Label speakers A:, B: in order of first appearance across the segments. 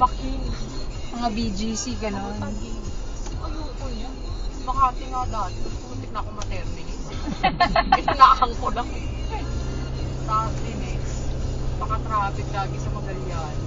A: Making.
B: Mga BGC, gano'n.
A: Ayoko yan. Makati nga dati. Putik na ako maternity. Inaakang ko lang. Tapos minutes. Baka-traffic lagi sa Magallanes.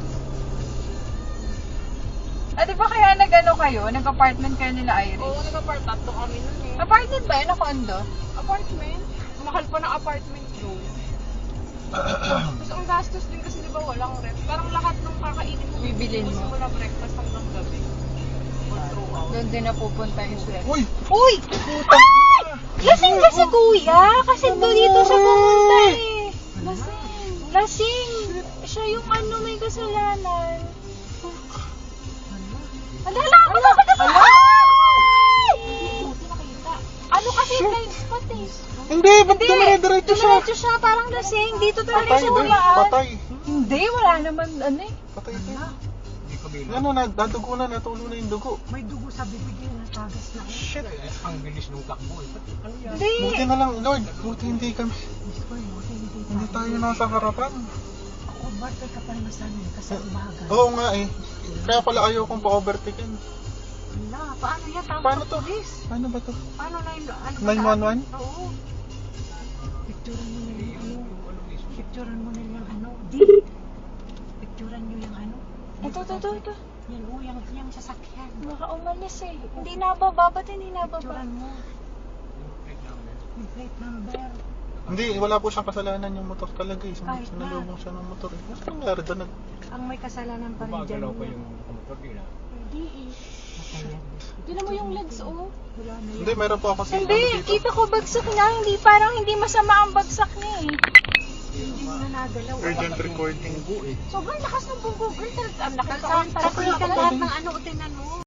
B: Di ba kaya nag-ano kayo? Nag-apartment kayo nila Iris?
A: Oo, nag-apart. Tatlo kami nun eh.
B: Apartment ba yun o condo?
A: Apartment? Mahal pa ng apartment doon. Tapos ang gastos din kasi di ba walang rent. Parang lahat ng kakainin mo.
B: Bibilin mo.
A: Simula breakfast hanggang gabi. Or throughout.
B: Doon din napupunta yung sweldo.
C: Uy!
B: Uy! Lasing ka si kuya! Kasi doon dito sa pumunta eh. Lasing! Siya yung ano may kasalanan. Alala! Ano kasi blind spot eh.
C: Hindi! Ba't dumire-diretso siya?
B: Dumiretso siya, parang lasing. Dito talaga
C: Patay
B: siya
C: doon.
B: hulaan.
C: Patay.
B: Hindi, wala naman ano eh.
C: Patay doon. Ano, nadugo na, natulo na yung dugo.
A: May dugo sa bibig niya, natagas na.
C: Shit.
A: Ang bilis ng takbo eh. Ano yan?
B: Hindi.
C: Buti na lang, Lord. Buti hindi kami. Hindi tayo nasa harapan.
A: Ako, ba't ka pa naman sa amin? Kasi umaga.
C: Oo nga eh. Kaya pala ayaw kong pa-overtaken.
A: Wala, paano yan? Tawag
C: Paano
A: sa
C: to?
A: polis.
C: Paano ba to?
A: Paano na yun? Ano
C: 911?
A: Oo. Picturean mo na yung ano. Picturean mo na yung ano. Di. Picturean nyo yung ano.
B: Ito.
A: Yan o, yung sasakyan.
B: Baka umalis eh. Hindi nababa. Ba't hindi nababa?
A: Picturean mo. Yung plate number.
C: Hindi, wala po siyang kasalanan yung motor talaga eh.
A: Kahit na.
C: Sinalubong siya ng motor eh. Ano nangyari doon?
A: Ang may kasalanan pa rin dyan. Hindi eh.
B: Tignan mo yung legs oh.
A: Wala na yan.
C: Hindi, meron po ako sa
B: Hindi, kita ko bagsak niya. Hindi, parang hindi masama ang bagsak niya eh.
A: Hindi mo na nagalaw.
C: Urgent recording.
A: Sobrang lakas ng bunggo. Girl, ang lakas ka. Parang lahat ng ano, tinan